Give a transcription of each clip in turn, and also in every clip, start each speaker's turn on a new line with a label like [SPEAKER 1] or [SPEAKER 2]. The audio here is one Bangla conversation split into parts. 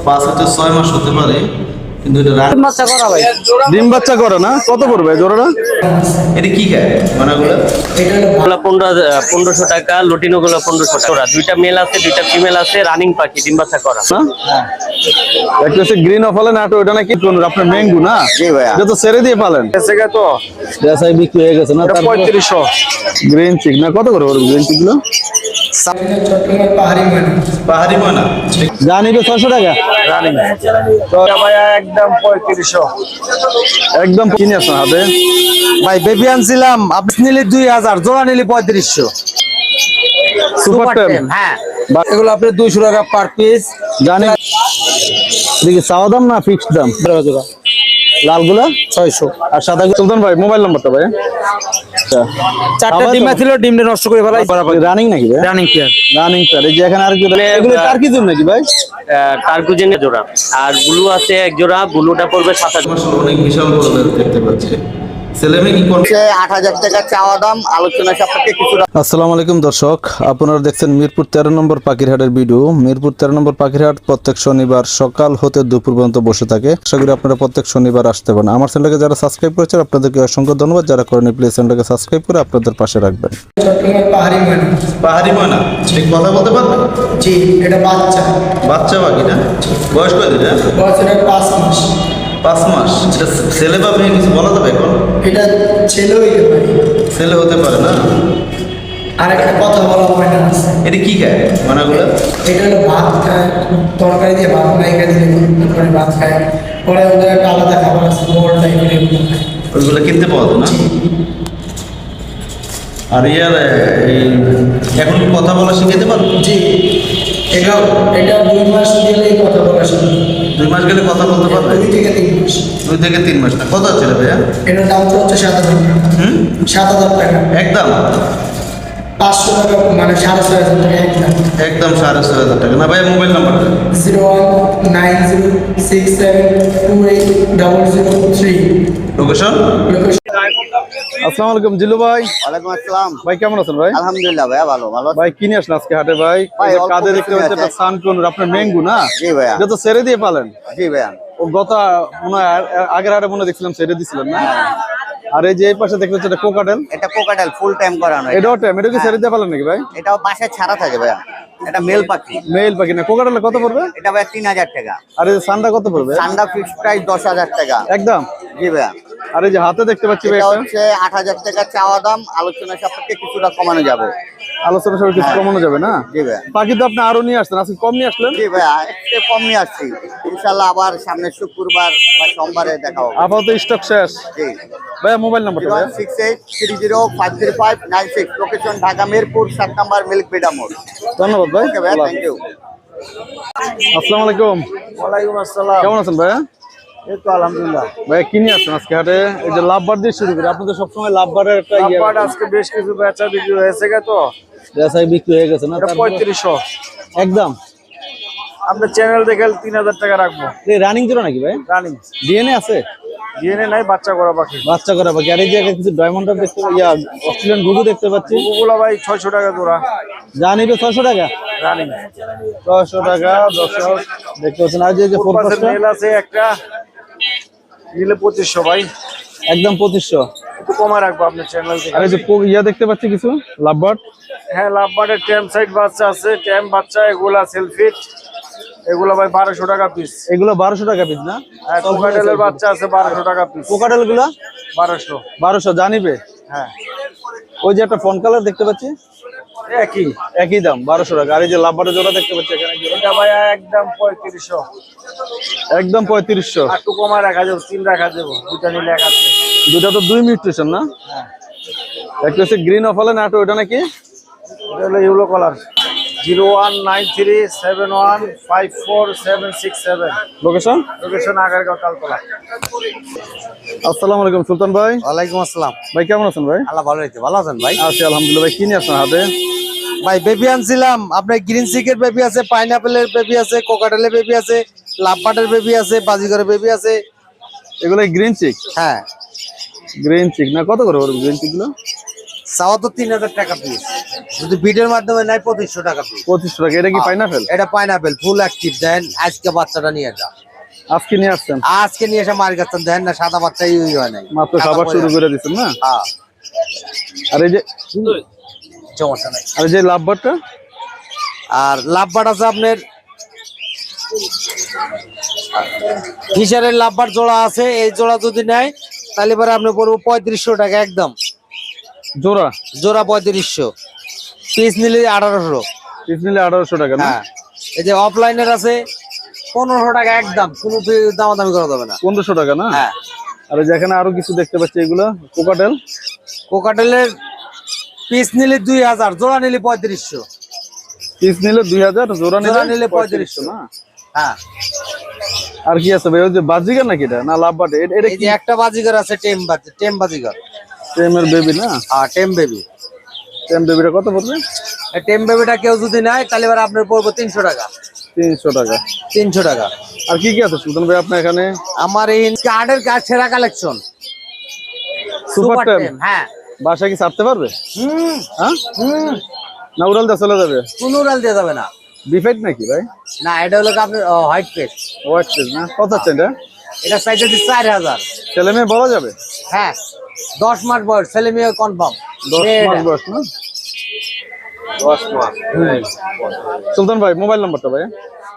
[SPEAKER 1] 5 হতে 6 মাস হতে পারে, কিন্তু এটা
[SPEAKER 2] ডিম বাচ্চা করা ভাই।
[SPEAKER 3] ডিম বাচ্চা করে না? কত পড়বে জোড়াটা?
[SPEAKER 1] এটা কি খায় মানাগুলো?
[SPEAKER 2] এগুলো 1500 টাকা, লুটিনো গুলো 1500 টাকা। দুইটা মেল আছে, দুইটা ফিমেল আছে, রানিং পাখি, ডিম বাচ্চা করা।
[SPEAKER 3] না একটা হচ্ছে গ্রিন অফালে নাটো, ওটা নাকি কোন আপনার ম্যাঙ্গু না?
[SPEAKER 4] জি ভাইয়া।
[SPEAKER 3] এটা তো ছেড়ে দিয়ে পালেন
[SPEAKER 4] তো
[SPEAKER 3] দেশাই বিক্রি হয়ে গেছে না?
[SPEAKER 4] 3500
[SPEAKER 3] গ্রিন চিক না? কত করে ওর গ্রিন চিক গুলো?
[SPEAKER 1] পাহাড়ি ময়না
[SPEAKER 3] জানি তো 600 টাকা
[SPEAKER 4] রানিং তো ভাইয়া একদম 3500।
[SPEAKER 3] একদম কিনে আসুন হাতে।
[SPEAKER 4] ভাই বেবি আনছিলাম, আপনি নিলে 2000, জোড়া নিলে 3500।
[SPEAKER 3] সুপার টেম।
[SPEAKER 4] হ্যাঁ, এগুলো আপনি 200 টাকা পার পিস।
[SPEAKER 3] জানি দেখি চাওয়া দাম না ফিক্সড দাম?
[SPEAKER 4] জোড়া
[SPEAKER 3] লালগুলা
[SPEAKER 4] 600।
[SPEAKER 3] আর সাদা সুলতান ভাই মোবাইল নাম্বারটা ভাই?
[SPEAKER 4] চারটা ডিম ছিল, ডিমটা নষ্ট করে ফেলাই।
[SPEAKER 3] রানিং নাকি ভাই?
[SPEAKER 4] Running pair.
[SPEAKER 3] Running sir. এই যে এখানে আর কি এগুলো টার্কি জোন নাকি ভাই?
[SPEAKER 2] টার্কুজেন জোড়া, আর ব্লু আছে এক জোড়া, ব্লুটা পড়বে 2700।
[SPEAKER 1] আসলে অনেক বিশাল বড় দেখতে পাচ্ছি। ছেলেমেয়ে কি করছে?
[SPEAKER 4] 8000 টাকা চাওয়া দাম, আলোচনা সাপেক্ষে কিছু।
[SPEAKER 3] আসসালামু আলাইকুম দর্শক, আপনারা দেখছেন মিরপুর 13 নম্বর পাখিরহাটের ভিডিও। মিরপুর 13 নম্বর পাখিরহাট প্রত্যেক শনিবার সকাল হতে দুপুর পর্যন্ত বসে থাকে। আশা করি আপনারা প্রত্যেক শনিবার আসতে পারেন। আমার চ্যানেলকে যারা সাবস্ক্রাইব করেছেন আপনাদেরকে অসংখ্য ধন্যবাদ, যারা করেনি প্লিজ চ্যানেলকে সাবস্ক্রাইব করে আপনাদের পাশে রাখবেন।
[SPEAKER 1] পাহাড়ি ময়না ঠিক কথা বলতে পারবে?
[SPEAKER 5] জি, এটা বাচ্চা।
[SPEAKER 1] বাচ্চা পাখি না? বয়স কত এটা?
[SPEAKER 5] বয়স এটা 5 মাস।
[SPEAKER 1] 5 মাস। এটা ছেলে বা মেয়ে কিছু বলা যাবে এখন?
[SPEAKER 5] এটা ছেলে হইতে পারে।
[SPEAKER 1] ছেলে হতে পারে না?
[SPEAKER 5] আর একটা কথা বলা হয় না আছে।
[SPEAKER 1] এটা কি খায় মানাগুলো?
[SPEAKER 5] এটা হলো ভাত খায়, তরকারি দিয়ে ভাত নাইকা দিয়ে করে ভাত খায়। পরে ওদের একটা আলাদা খাবার আছে, মোল টাইপের এগুলো খায়।
[SPEAKER 1] ওইগুলো কিনতে পাওয়া যায় না? আর ইয়ার এখন কি কথা বলা শিখাইতে পারবো?
[SPEAKER 5] জি, এটা 2 মাস গেলেই কথা বলা শুরু।
[SPEAKER 1] 2 মাস গেলে কথা বলতে পারবে?
[SPEAKER 5] 2 থেকে 3 মাস।
[SPEAKER 1] 2 থেকে 3 মাস না? কত আছে রে ভাইয়া?
[SPEAKER 5] এটার দাম তো হচ্ছে 7000 টাকা। 7000 টাকা।
[SPEAKER 1] একদম
[SPEAKER 5] 500 টাকা, মানে 6500 টাকা একদম।
[SPEAKER 1] একদম 6500 টাকা না ভাইয়া? মোবাইল নাম্বারটা?
[SPEAKER 5] 019067280003।
[SPEAKER 1] লোকেশন?
[SPEAKER 3] আসসালামু আলাইকুম জিলু ভাই।
[SPEAKER 4] ওয়ালাইকুম আসসালাম।
[SPEAKER 3] ভাই কেমন আছেন ভাই?
[SPEAKER 4] আলহামদুলিল্লাহ ভাইয়া, ভালো ভালো।
[SPEAKER 3] ভাই কিনে আসেন আজকে হাটে ভাই?
[SPEAKER 4] ভাই,
[SPEAKER 3] এই যে
[SPEAKER 4] অল্প
[SPEAKER 3] কাঁধে দেখতে
[SPEAKER 4] কিছু
[SPEAKER 3] পাচ্ছেন
[SPEAKER 4] আছে।
[SPEAKER 3] একটা সানকুনুর আপনার ম্যাঙ্গু না?
[SPEAKER 4] জি ভাইয়া।
[SPEAKER 3] এটা তো ছেড়ে দিয়ে পালেন?
[SPEAKER 4] জি ভাইয়া।
[SPEAKER 3] ও গত মনে হয় আগের হাটে মনে হয় দেখছিলাম ছেড়ে দিছিলেন না? আর এই যে এই পাশে দেখতে পাচ্ছেন এটা কোকাটেল।
[SPEAKER 4] এটা কোকাটেল ফুল টাইম করানো।
[SPEAKER 3] এটাও টাইম, এটা কি ছেড়ে দিয়ে পালেন নাকি ভাই?
[SPEAKER 4] এটাও বাসায় ছাড়া থাকে ভাইয়া। এটা মেল পাখি।
[SPEAKER 3] মেল পাখি না? কোকাটেলে কত পড়বে?
[SPEAKER 4] এটা ভাইয়া 3000 টাকা।
[SPEAKER 3] আর এই যে সানটা কত পড়বে?
[SPEAKER 4] ঠান্ডা ফিক্স প্রাইস 10000 টাকা।
[SPEAKER 3] একদম।
[SPEAKER 4] জি ভাইয়া।
[SPEAKER 3] আর এই যে হাতে দেখতে পাচ্ছি ভাই
[SPEAKER 4] এটা
[SPEAKER 3] একটা
[SPEAKER 4] হচ্ছে 8000 টাকা চাওয়া দাম, আলোচনা সাপেক্ষে কিছুটা কমানো যাবে।
[SPEAKER 3] আলোচনা সবাই কিছু কমানো যাবে না?
[SPEAKER 4] জি ভাইয়া।
[SPEAKER 3] পাখি তো আপনি আরো নিয়ে আসছেন, আজকে কম নিয়ে আসলেন।
[SPEAKER 4] জি ভাইয়া, একটু কম নিয়ে আসছি। ইনশাল্লাহ আবার সামনে শুক্রবার বা সোমবারে দেখা হবে।
[SPEAKER 3] আপাতত স্টক শেষ।
[SPEAKER 4] জি।
[SPEAKER 3] ভাইয়া মোবাইল নাম্বারটা ভাইয়া?
[SPEAKER 4] 06830530596, location Dhaka Mirpur 7 number milk Vita মোড়।
[SPEAKER 3] ধন্যবাদ ভাই।
[SPEAKER 4] ওকে ভাইয়া, থ্যাংক ইউ।
[SPEAKER 3] আসসালামু আলাইকুম।
[SPEAKER 4] ওয়ালাইকুম আসসালাম।
[SPEAKER 3] কেমন আছেন ভাইয়া?
[SPEAKER 4] এই তো আলহামদুলিল্লাহ।
[SPEAKER 3] ভাইয়া কিনে আসছেন আজকে হাটে? এই যে লাভবার দিয়ে শুরু করি, আপনি তো সবসময় লাভবারের একটা
[SPEAKER 4] লাভবার্ড আজকে বেশ কিছু বেচা বিক্রি হয়েছে তো।
[SPEAKER 3] বেচাই বিক্রি হয়ে গেছে না?
[SPEAKER 4] এটা 3500।
[SPEAKER 3] একদম।
[SPEAKER 4] আপনার চ্যানেল দেখে 3000 টাকা রাখবো।
[SPEAKER 3] রানিং জোড়া নাকি ভাই?
[SPEAKER 4] রানিং।
[SPEAKER 3] ডিএনএ আছে?
[SPEAKER 4] ডিএনএ নাই, বাচ্চা করা পাখি।
[SPEAKER 3] বাচ্চা করা বাকি। আর এই যে কিছু ডায়মন্ডার দেখতে অস্ট্রেলিয়ান গুগু দেখতে পাচ্ছি।
[SPEAKER 4] ওগুলো ভাই 600 টাকা জোড়া।
[SPEAKER 3] যা নিবে 600 টাকা?
[SPEAKER 4] রানিং
[SPEAKER 3] 600 টাকা দর্শক দেখতে পাচ্ছেন। আর যে ফোরপাসটা
[SPEAKER 4] মেল আছে একটা, নিলে 2500 ভাই।
[SPEAKER 3] একদম 2500।
[SPEAKER 4] একটু কমা রাখবো আপনার চ্যানেল থেকে।
[SPEAKER 3] আর এই যে দেখতে পাচ্ছি কিছু লাভবার্ড।
[SPEAKER 4] হ্যাঁ, লাভবার্ডের ট্যাম সাইড বাচ্চা আছে, ট্যাম বাচ্চা, এগুলা সেলফিট। এগুলো ভাই 1200 টাকা পিস।
[SPEAKER 3] এগুলো 1200 টাকা পিস না?
[SPEAKER 4] হ্যাঁ, কোকাটেলের বাচ্চা আছে 1200 টাকা পিস।
[SPEAKER 3] কোকাটেল গুলো
[SPEAKER 4] 1200
[SPEAKER 3] জানিবে?
[SPEAKER 4] হ্যাঁ।
[SPEAKER 3] ওই যে একটা ফোন কালার দেখতে পাচ্ছি,
[SPEAKER 4] একই
[SPEAKER 3] একই দাম 1200 টাকা। আর এই যে লাভবারের জোড়া দেখতে পাচ্ছি এখানে,
[SPEAKER 4] এটা ভাই একদম 3500।
[SPEAKER 3] একদম 3500।
[SPEAKER 4] আর একটু কমা রাখা যাবে, 3 রাখা যাবে, দুটা নিলে 1 আছে।
[SPEAKER 3] দুটা তো 2 মিউটেশন না?
[SPEAKER 4] হ্যাঁ।
[SPEAKER 3] একটা হচ্ছে গ্রিন অফালে নাটো, ওটা নাকি?
[SPEAKER 4] এটা হলো yellow colour. 019371547767।
[SPEAKER 3] Location?
[SPEAKER 4] Location Agargaon Taltala.
[SPEAKER 3] আসসালামু আলাইকুম সুলতান ভাই।
[SPEAKER 4] ওয়ালাইকুম আসসালাম।
[SPEAKER 3] ভাই কেমন আছেন ভাই?
[SPEAKER 4] আল্লাহ ভালো হয়েছে। ভালো আছেন ভাই?
[SPEAKER 3] আছি আলহামদুলিল্লাহ। ভাই কিনে আসছেন হাতে?
[SPEAKER 4] ভাই বেবি আনছিলাম, আপনার গ্রিন সিকের বেবি আছে, পাইনাপেলের বেবি আছে, কোকাটেলের বেবি আছে, লাভবার্ডের বেবি আছে, বাজিগরের বেবি আছে।
[SPEAKER 3] এগুলো গ্রিন চিক?
[SPEAKER 4] হ্যাঁ।
[SPEAKER 3] গ্রিন চিক না? কত করে ওর গ্রিন চিক গুলো?
[SPEAKER 4] চাওয়া তো 3000 টাকা পিস। যদি বিটের মাধ্যমে নেয় 2500 টাকা পিস।
[SPEAKER 3] 2500 টাকা। এটা কি পাইনাপেল?
[SPEAKER 4] এটা পাইনাপেল ফুল অ্যাক্টিভ দেন। আজকে বাচ্চাটা নিয়ে যা,
[SPEAKER 3] আজকে নিয়ে আসছেন?
[SPEAKER 4] আজকে নিয়ে এসে মার কাছে দেন না, সাদা বাচ্চা ইউই হয় নাই,
[SPEAKER 3] মাত্র খাবার শুরু করে দিচ্ছেন না?
[SPEAKER 4] হ্যাঁ
[SPEAKER 3] আর এই যে
[SPEAKER 4] সমস্যা নাই।
[SPEAKER 3] আর এই যে লাভবারটা?
[SPEAKER 4] আর লাভবার আছে আপনার ফিশারের লাভবার জোড়া আছে, এই জোড়া যদি নেয় তাহলে পরে আপনি পড়বো 3500 টাকা একদম
[SPEAKER 3] জোড়া?
[SPEAKER 4] জোড়া 3500, পিস নিলে 1800।
[SPEAKER 3] পিস নিলে 1800 টাকা না?
[SPEAKER 4] হ্যাঁ এই যে অফলাইনের আছে 1500 টাকা একদম, কোনো দামাদামি করা যাবে না।
[SPEAKER 3] 1500 টাকা না?
[SPEAKER 4] হ্যাঁ।
[SPEAKER 3] আর এই যে এখানে আরো কিছু দেখতে পাচ্ছি, এগুলো কোকাটেল।
[SPEAKER 4] কোকাটেলের পিস নিলে 2000, জোড়া নিলে 3500।
[SPEAKER 3] পিস নিলে 2000, জোড়া
[SPEAKER 4] জোড়া
[SPEAKER 3] নিলে
[SPEAKER 4] নিলে
[SPEAKER 3] 3500 না?
[SPEAKER 4] হ্যাঁ।
[SPEAKER 3] আর কি আছে ভাই? ওই যে বাজিগার নাকি এটা, না লাভবাট? এটা
[SPEAKER 4] এই
[SPEAKER 3] কি?
[SPEAKER 4] যে একটা বাজিগর আছে টেম বাজিগর।
[SPEAKER 3] টেমের বেবি না?
[SPEAKER 4] হ্যাঁ টেম বেবি।
[SPEAKER 3] টেম বেবিটা কত পড়বে?
[SPEAKER 4] এই টেম বেবিটা কেউ যদি নেয় তাহলে এবার আপনার পড়বো 300 টাকা।
[SPEAKER 3] 300 টাকা।
[SPEAKER 4] 300 টাকা।
[SPEAKER 3] আর কি কি আছে সুলতান ভাই আপনার এখানে?
[SPEAKER 4] আমার এই কার্ডের কাজ সেরা কালেকশন
[SPEAKER 3] সুপার টেম।
[SPEAKER 4] হ্যাঁ
[SPEAKER 3] বাসা কি ছাড়তে পারবে? হ্যাঁ
[SPEAKER 4] হুম,
[SPEAKER 3] না উড়াল দিয়ে চলে যাবে?
[SPEAKER 4] কোনো উড়াল দিয়ে যাবে না।
[SPEAKER 3] বিফেট নাকি ভাই?
[SPEAKER 4] না এটা হলো আপনার হোয়াইট পেস্ট।
[SPEAKER 3] হোয়াইট পেজ না? কত আছে এটা?
[SPEAKER 4] এটা সাইজে 4000।
[SPEAKER 3] ছেলে মেয়ে বলা যাবে?
[SPEAKER 4] হ্যাঁ 10 মাস বয়স, ছেলে মেয়ে কনফার্ম।
[SPEAKER 3] 10 মাস বয়স না? 10 মাস। সুলতান ভাই মোবাইল নাম্বারটা ভাই?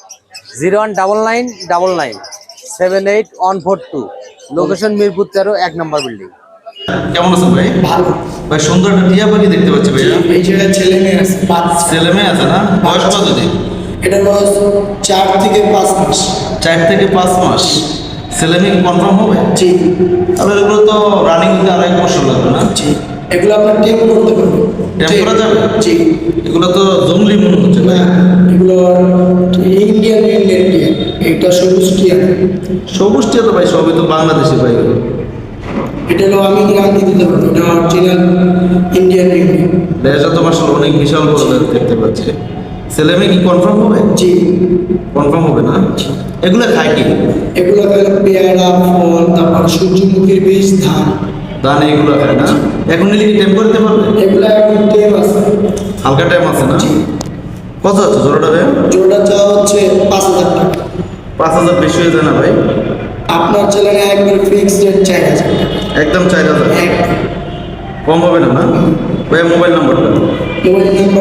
[SPEAKER 4] 01999978142, লোকেশন মিরপুর 13, 1 নম্বর বিল্ডিং।
[SPEAKER 1] কেমন আছেন ভাই?
[SPEAKER 5] ভালো।
[SPEAKER 1] ভাই সুন্দর একটা টিয়া পাখি দেখতে পাচ্ছি ভাইয়া।
[SPEAKER 5] এই জায়গায় ছেলে মেয়ে আছে, বাচ্চা।
[SPEAKER 1] ছেলে মেয়ে আছে না? বয়স কত দিন?
[SPEAKER 5] এটা বয়স 4 থেকে 5 মাস।
[SPEAKER 1] 4 থেকে 5 মাস। ছেলে মেয়ে কনফার্ম হবে?
[SPEAKER 5] জি
[SPEAKER 1] তাহলে এগুলো তো রানিং হতে আর 1 বছর লাগবে না?
[SPEAKER 5] জি, এগুলো আপনার টেম করতে পারবেন।
[SPEAKER 1] টেম করা যাবে?
[SPEAKER 5] জি।
[SPEAKER 1] এগুলো তো জঙ্গলি মনে হচ্ছে ভাই।
[SPEAKER 5] না, এগুলো ইন্ডিয়ান টিয়া। এটা সবুজ টিয়া।
[SPEAKER 1] সবুজ টিয়া তো ভাই সবই তো বাংলাদেশি ভাই।
[SPEAKER 5] এটা হলো আমি গ্যারান্টি দিতে পারবো, এটা অরিজিনাল ইন্ডিয়ান টিয়া।
[SPEAKER 1] লেজা তো মাশাআল্লাহ অনেক বিশাল বড় লেজ দেখতে পাচ্ছি। ছেলে মেয়ে কি কনফার্ম হবে?
[SPEAKER 5] জি
[SPEAKER 1] কনফার্ম হবে না? এগুলো খায় কি?
[SPEAKER 5] এগুলো খাইলে পেয়ারা, ফল, তারপর সূর্যমুখীর বীজ, ধান।
[SPEAKER 1] দান এগুলো খায় না? এখন নিলে কি টেম করতে পারবে?
[SPEAKER 5] এগুলো এখন টেম আছে।
[SPEAKER 1] হালকা টাইম আছে না?
[SPEAKER 5] জি।
[SPEAKER 1] কত আছে জোড়াটা ভাই?
[SPEAKER 5] জোড়া চাওয়া হচ্ছে 5000 টাকা।
[SPEAKER 1] 5000 বেশি হয়ে যায় না ভাই?
[SPEAKER 5] আপনার চ্যানেলে একবার ফিক্সড রেট 4000 টাকা।
[SPEAKER 1] একদম 4000।
[SPEAKER 5] একদম।
[SPEAKER 1] কম হবে না? না ভাই মোবাইল নাম্বারটা?
[SPEAKER 5] Mobile number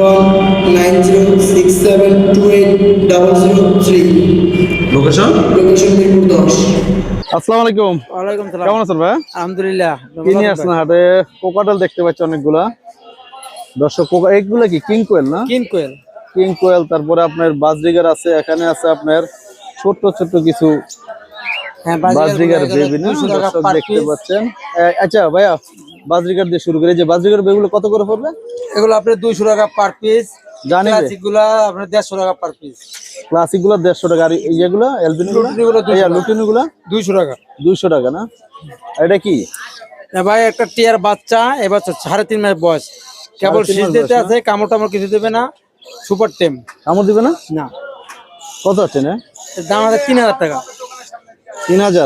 [SPEAKER 5] 019067280003।
[SPEAKER 1] Location?
[SPEAKER 5] Location Mirpur 10।
[SPEAKER 3] আসসালামু আলাইকুম।
[SPEAKER 4] ওয়ালাইকুম সালাম।
[SPEAKER 3] কেমন আছেন ভাই?
[SPEAKER 4] আলহামদুলিল্লাহ।
[SPEAKER 3] কি নিয়ে আসছেন হাটে? কোকাটেল দেখতে পাচ্ছি অনেকগুলা। দর্শক এইগুলা কি কিং কোয়েল না?
[SPEAKER 4] কিং কোয়েল।
[SPEAKER 3] কিং কোয়েল, তারপরে আপনার বাজরিগার আছে, এখানে আছে আপনার ছোট ছোট কিছু
[SPEAKER 4] হ্যাঁ
[SPEAKER 3] বাজরিগার বেবি না?
[SPEAKER 4] 200 টাকা
[SPEAKER 3] দর্শক
[SPEAKER 4] পার
[SPEAKER 3] দেখতে
[SPEAKER 4] পিস।
[SPEAKER 3] পাচ্ছেন। আচ্ছা ভাইয়া, বাজরিগার দিয়ে শুরু করে, যে বাজরিগার বেবিগুলো কত করে পড়বে?
[SPEAKER 4] এগুলো আপনার 200 টাকা পার পিস।
[SPEAKER 3] জানি রে।
[SPEAKER 4] ক্লাসিক গুলা আপনার 150 টাকা পার পিস।
[SPEAKER 3] ক্লাসিক গুলো 150 টাকা, আর এইগুলো এলবিনো গুলো?
[SPEAKER 4] লুটিনো গুলো 200 টাকা।
[SPEAKER 3] লুটিনো গুলো
[SPEAKER 4] 200 টাকা।
[SPEAKER 3] 200 টাকা না? আর এটা কি?
[SPEAKER 4] ভাই একটা টিয়ার বাচ্চা, এবার 3.5 মাস বয়স, কেবল
[SPEAKER 3] 3.5
[SPEAKER 4] শীষ
[SPEAKER 3] মাস
[SPEAKER 4] দিতে
[SPEAKER 3] বয়স
[SPEAKER 4] আছে, কামড় টামড় কিছু দেবে না, সুপার টেম।
[SPEAKER 3] কামড় দিবে না?
[SPEAKER 4] না,
[SPEAKER 3] কত আছে না?
[SPEAKER 4] এর দাম আছে 3000 টাকা।
[SPEAKER 3] 3000?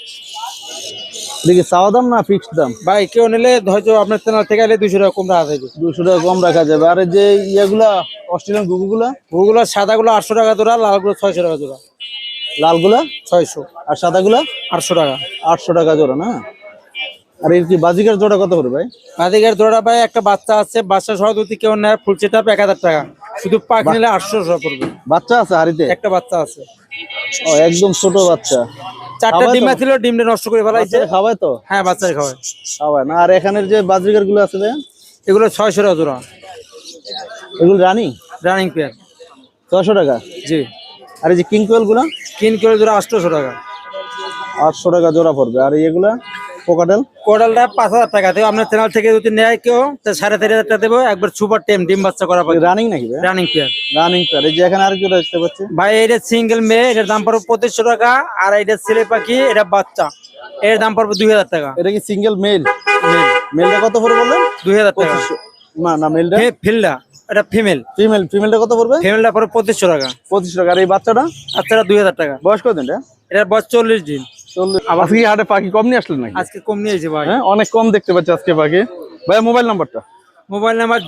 [SPEAKER 3] দেখি চাওয়া দাম না ফিক্সড দাম?
[SPEAKER 4] ভাই কেউ নিলে হয়তো আপনার চ্যানেল থেকে এলে 200 টাকা কম রাখা যাবে।
[SPEAKER 3] 200 টাকা কম রাখা যাবে। আর এই যে ইয়েগুলা অস্ট্রেলিয়ান গুগুগুলা?
[SPEAKER 4] ওগুলো সাদাগুলো 800 টাকা জোড়া, লালগুলো 600 টাকা জোড়া।
[SPEAKER 3] লালগুলা
[SPEAKER 4] 600।
[SPEAKER 3] আর সাদাগুলা
[SPEAKER 4] 800 টাকা।
[SPEAKER 3] 800 টাকা জোড়া না? আর এর কি বাজিকার জোড়া কত করে ভাই?
[SPEAKER 4] বাদিকের জোড়া ভাই একটা বাচ্চা আছে, বাচ্চা সহ যদি কেউ নেয় ফুল সেট আপ 1000 টাকা, শুধু পাক নিলে 800 টাকা পড়বে।
[SPEAKER 3] বাচ্চা আছে হাড়িতে?
[SPEAKER 4] একটা বাচ্চা আছে।
[SPEAKER 3] ও একদম ছোট বাচ্চা।
[SPEAKER 4] 4টা
[SPEAKER 3] খাওয়ায়
[SPEAKER 4] ডিম
[SPEAKER 3] তো?
[SPEAKER 4] ছিল, ডিমটা নষ্ট করে ফেলাইছে।
[SPEAKER 3] বাচ্চারা খাওয়ায় তো?
[SPEAKER 4] হ্যাঁ বাচ্চাই খাওয়ায়।
[SPEAKER 3] খাওয়ায় না? আর এখানের যে বাজিকার গুলো আছে ভাই,
[SPEAKER 4] এগুলো 600 টাকা জোড়া,
[SPEAKER 3] এগুলো রানিং
[SPEAKER 4] রানিং পেয়ার।
[SPEAKER 3] 600 টাকা?
[SPEAKER 4] জি।
[SPEAKER 3] আর এই যে কিং কোয়েল গুলা?
[SPEAKER 4] কিন কিলো জোড়া 800 টাকা।
[SPEAKER 3] 800 টাকা জোড়া পড়বে। আর এগুলা কোকাটেল?
[SPEAKER 4] কোডালটা 5000 টাকা দেবো, আপনার চ্যানেল থেকে যদি নেয় কেউ তো 4500 টাকা দেবো, একবার সুপার টেম ডিম বাচ্চা করা পাবে।
[SPEAKER 3] রানিং নাকি ভাই?
[SPEAKER 4] Running pair.
[SPEAKER 3] Running pair. এই যে এখানে আর কি দেখতে পাচ্ছি
[SPEAKER 4] ভাই এটা সিঙ্গেল মেয়ে, এটার দাম পড়বে 2500 টাকা। আর এটা ছেলে পাখি, এটা বাচ্চা, এর দাম পড়বে 2000 টাকা।
[SPEAKER 3] এটা কি সিঙ্গেল মেল? মেলটা কত পড়বে বললেন?
[SPEAKER 4] 2000 টাকা।
[SPEAKER 3] 2500? না না, মেলটা
[SPEAKER 4] ফিল্ডা এটা ফিমেল।
[SPEAKER 3] ফিমেলটা কত পড়বে?
[SPEAKER 4] ফিমেলটা পড়বে 2500 টাকা।
[SPEAKER 3] 2500 টাকা। আর এই বাচ্চাটা?
[SPEAKER 4] বাচ্চাটা 2000 টাকা।
[SPEAKER 3] বয়স কত এটা?
[SPEAKER 4] এটার বয়স 40 দিন।
[SPEAKER 3] আজকে কি হাটে পাখি কম নিয়ে আসলেন নাকি?
[SPEAKER 4] আজকে কম নিয়েছে ভাই।
[SPEAKER 3] হ্যাঁ অনেক কম দেখতে পাচ্ছি আজকে পাখি। ভাই মোবাইল নাম্বারটা?
[SPEAKER 6] Mobile number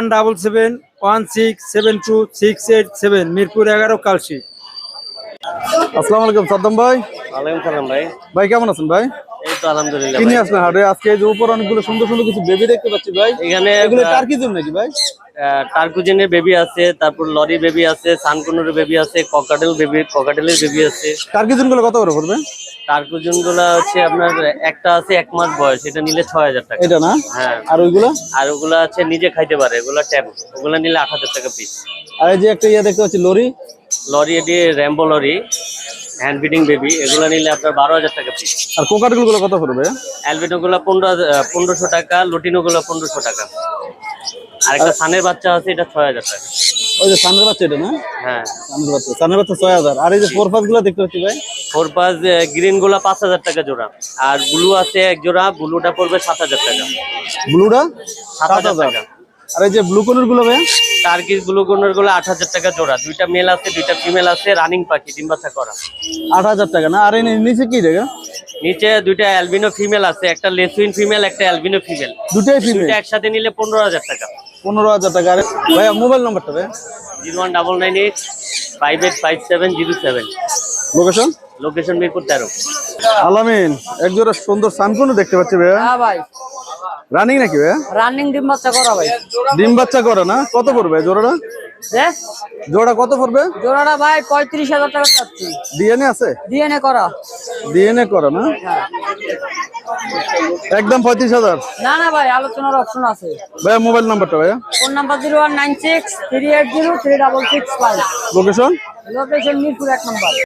[SPEAKER 6] 01771672687 Mirpur 11 Kalshi.
[SPEAKER 3] আসসালামু আলাইকুম সাদ্দাম ভাই।
[SPEAKER 2] ওয়ালাইকুম সালাম ভাই।
[SPEAKER 3] ভাই কেমন আছেন ভাই?
[SPEAKER 2] এই তো আলহামদুলিল্লাহ
[SPEAKER 3] কি
[SPEAKER 2] ভাই।
[SPEAKER 3] নিয়ে আসলেন হাটে আজকে? এই যে উপর অনেকগুলো সুন্দর সুন্দর কিছু বেবি দেখতে পাচ্ছি ভাই।
[SPEAKER 2] এখানে
[SPEAKER 3] এগুলো টার্কি জন্য নাকি ভাই?
[SPEAKER 2] টার্কুজেনের বেবি আছে, তারপর লরি বেবি আছে, সানকুনুর বেবি আছে, ককাটেলের বেবি আছে।
[SPEAKER 3] টার্কি জন্য কত করে পড়বে?
[SPEAKER 2] টার্কুজন গুলা হচ্ছে আপনার একটা আছে 1 মাস বয়স, এটা নিলে 6000 টাকা।
[SPEAKER 3] এটা না?
[SPEAKER 2] হ্যাঁ।
[SPEAKER 3] আর ওইগুলো?
[SPEAKER 2] আর ওগুলা আছে নিজে খাইতে পারে, ওগুলা ট্যাব, ওগুলা নিলে 8000 টাকা পিস।
[SPEAKER 3] আর এই যে একটা ইয়া দেখতে পাচ্ছি লরি।
[SPEAKER 2] লরি এটি rainbow lory, hand feeding baby, এগুলা নিলে আপনার 12000 টাকা পিস।
[SPEAKER 3] আর কোকাটেল গুলো কত পড়বে?
[SPEAKER 2] অ্যালবিনো গুলা 1500 টাকা, লুটিনো গুলা 1500 টাকা। আর একটা সানের বাচ্চা আছে, এটা 6000 টাকা।
[SPEAKER 3] ওই যে সানের বাচ্চা এটা না?
[SPEAKER 2] হ্যাঁ।
[SPEAKER 3] সানের বাচ্চা 6000। আর এই যে ফোর পাঁচ গুলো দেখতে পাচ্ছি ভাই।
[SPEAKER 2] 4 গ্রিন গুলা 5000 টাকা জোড়া। আর ব্লু আছে এক জোড়া, ব্লুটা পড়বে 7000 টাকা।
[SPEAKER 3] ব্লুটা
[SPEAKER 2] 7000 টাকা।
[SPEAKER 3] আর এই যে ব্লু কোনের গুলো ভাই?
[SPEAKER 2] টার্কিশ ব্লু কোনের গুলো 8000 টাকা জোড়া। দুইটা মেল আছে, দুইটা ফিমেল আছে, রানিং পাখি, ডিম বাচ্চা করা।
[SPEAKER 3] 8000 টাকা না? আর এই নিচে কি জায়গা?
[SPEAKER 2] নিচে দুইটা অ্যালবিনো ফিমেল আছে, একটা লেসুইন ফিমেল, একটা অ্যালবিনো ফিমেল।
[SPEAKER 3] দুটাই ফিমেল?
[SPEAKER 2] দুইটা একসাথে নিলে 15000 টাকা।
[SPEAKER 3] 15000 টাকা। আরে ভাই মোবাইল নাম্বারটা ভাই?
[SPEAKER 2] 01998585707।
[SPEAKER 3] লোকেশন?
[SPEAKER 2] লোকেশন মিরপুর 13।
[SPEAKER 3] আলামিন এক জোড়া সুন্দর সানকুনও দেখতে পাচ্ছি ভাই।
[SPEAKER 7] হ্যাঁ ভাই,
[SPEAKER 3] রানিং নাকি ভাই?
[SPEAKER 7] রানিং ডিম বাচ্চা করা ভাই।
[SPEAKER 3] ডিম বাচ্চা করে না? কত পড়বে জোড়াটা? জোড়া কত পড়বে?
[SPEAKER 7] জোড়াটা ভাই 35000 টাকা চাচ্ছি।
[SPEAKER 3] ডিএনএ আছে?
[SPEAKER 7] ডিএনএ করা।
[SPEAKER 3] ডিএনএ করা না? একদম 35000?
[SPEAKER 7] না না ভাই, আলোচনার অপশন আছে।
[SPEAKER 3] ভাই মোবাইল নাম্বারটা ভাই?
[SPEAKER 7] Phone number 01963803665।
[SPEAKER 3] Location?
[SPEAKER 7] Location Mirpur 1 নম্বর।